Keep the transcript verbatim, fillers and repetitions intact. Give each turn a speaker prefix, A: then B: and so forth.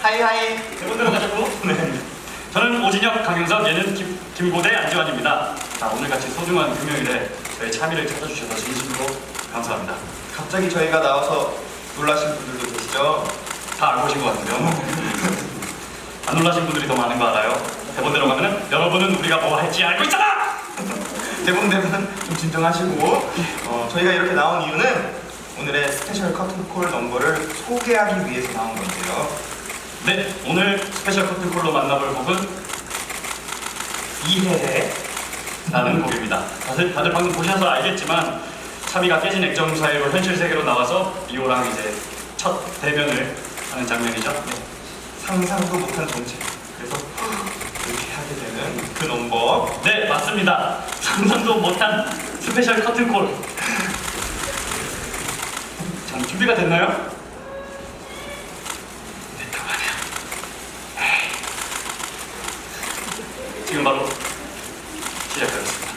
A: 하이하이.
B: 대본대로 가자고. 네. 저는 오진혁, 강윤석, 얘는 김, 김고대, 안지환입니다. 자, 오늘같이 소중한 금요일에 저희 참여를 찾아주셔서 진심으로 감사합니다.
A: 갑자기 저희가 나와서 놀라신 분들도 계시죠?
B: 다 알고 오신 것 같은데요. 안 놀라신 분들이 더 많은 거 알아요? 대본대로 가면은 여러분은 우리가 뭐 할지 알고 있잖아!
A: 대본대로는 좀 진정하시고 어, 저희가 이렇게 나온 이유는 오늘의 스페셜 커튼콜 넘버를 소개하기 위해서 나온 건데요.
B: 네, 오늘 스페셜 커튼콜로 만나볼 곡은 이해해 라는 곡입니다. 다들, 다들 방금 보셔서 알겠지만 차비가 깨진 액정 사이로 현실 세계로 나와서 리오랑 이제 첫 대면을 하는 장면이죠. 네.
A: 상상도 못한 정체. 그래서 이렇게 하게 되는 그 넘버.
B: 네, 맞습니다. 상상도 못한 스페셜 커튼콜. 자, 준비가 됐나요? 됐다고 하네요. 에이. 지금 바로 시작하겠습니다.